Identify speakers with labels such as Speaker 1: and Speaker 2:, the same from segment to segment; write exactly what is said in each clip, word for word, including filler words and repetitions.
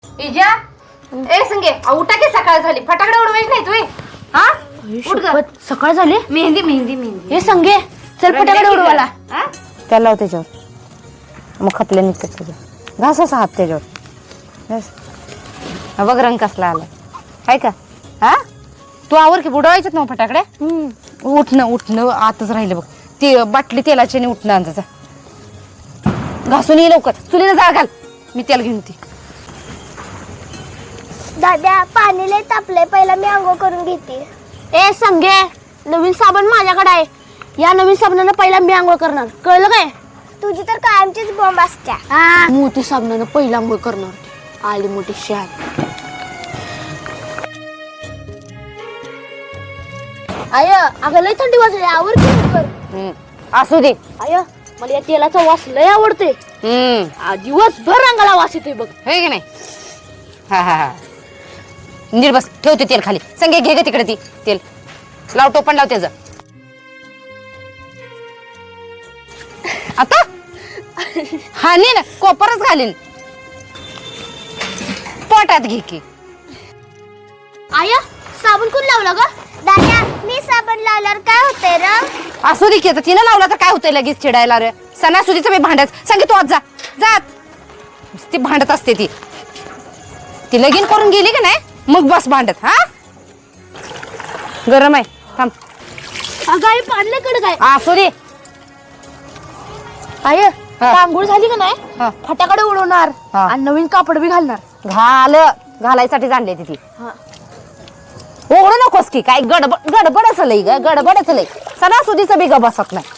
Speaker 1: इजा ए संगे उठा की सकाळ झाली फटाकडे उडवायची नाही तू हा उठ ग
Speaker 2: सकाळ झाली
Speaker 1: मेहंदी मेहंदी मेहंदी
Speaker 2: हे संगे चल फटाकडे उडवाला
Speaker 1: हा
Speaker 3: त्याला लाव त्याच्यावर मग खपले निघतात त्याच्यावर घास असा हात त्याच्यावर घास. हा बघ रंग कसला आला आहे का हा तू आवर की बुडवायच्यात ना फटाकडे उठणं उठणं आतच राहिलं बघ ते बाटली तेलाची आणि उठणं अंदाजा घासून ये लवकर चुलीला जाळ घाल मी तेल घेऊन ती
Speaker 4: दादा पाणी लय तापलंय पहिला मी आंघोळ करून घेते.
Speaker 2: ए संगे नवीन साबण माझ्याकडे आहे या नवीन साबणानं पहिला मी आंघोळ करणार कळलं काय
Speaker 4: तुझी तर कायमचीच बॉम्ब असत्या.
Speaker 2: मोठी साबणानं पहिला आंघोळ करणार आली मोठी शहाण आय अगं लय थंडी वाजली आवर की लवकर.
Speaker 3: हम्म. असू दे
Speaker 2: आय मला या तेलाचा वास लय आवडते
Speaker 3: हम्म
Speaker 2: दिवसभर रंगाला वास येतोय बघ
Speaker 3: हे की नाही हा हा हा नीट बस ठेवते तेल खाली संगे घे ग तिकडे ती तेल लाव टोपण लाव त्याचं आता हा नाही ना कोपरच घालीन पोटात घे की
Speaker 2: आय साबण कोण लावला ग
Speaker 4: दादा मी साबण लावल्यावर काय होतंय र
Speaker 3: असू दे की आता तिनं लावला तर काय होतंय लगेच चिडायला रे सणासुदीचं मी भांडत सांगे तू आज जा जात ती भांडत असते ती ती लगीन करून गेली का नाही मग बस भांडत हा गरम आहे थांब
Speaker 2: अगं आई पाडले कडे काय
Speaker 3: असू दे
Speaker 2: आय आंघोळ झाली का नाही
Speaker 3: हा.
Speaker 2: फटाकडे उडवणार
Speaker 3: हा.
Speaker 2: आणि नवीन कापड बी घालणार
Speaker 3: घाल घालायसाठी जाणले ती
Speaker 2: हा.
Speaker 3: ओढू नकोस की काय गडबड गडबडच लई ग गडबडच लई सणासुदीचं बी ग बसत नाही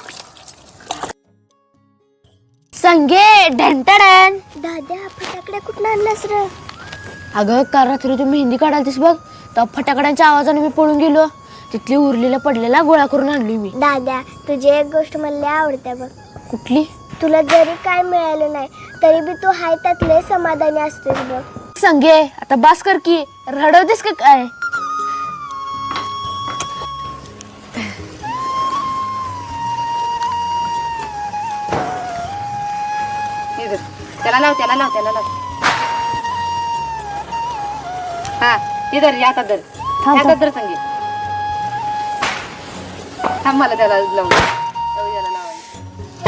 Speaker 2: संगे ढंटडन
Speaker 4: दादा फटाकडे कुठं आणलास र
Speaker 2: अगं काल रात्री तू मेहंदी काढालतीस बघ तर फटाकड्यांच्या आवाजाने मी पळून गेलो तिथली उरलेला पडलेला गोळा करून आणली मी
Speaker 4: दादा तुझी एक गोष्ट मला लय आवडते बघ
Speaker 2: कुठली
Speaker 4: तुला जरी काय मिळालं नाही तरी बी तू हाय त्यात लय समाधानी असतेस बघ.
Speaker 2: संगे आता बास कर की रडवतेस का काय
Speaker 3: त्याला लाव त्याला लाव त्याला लाव हा इधर या तर या तर संगीत थांब मला त्याला लावून त्याला लावायचं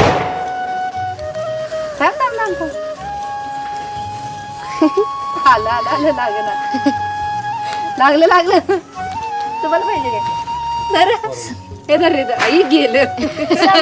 Speaker 3: थांब थांब थांब थांब आलं आलं आलं लागलं लागलं लागलं तुम्हाला पाहिजे काय धर हे धर रे धर. आई गेलं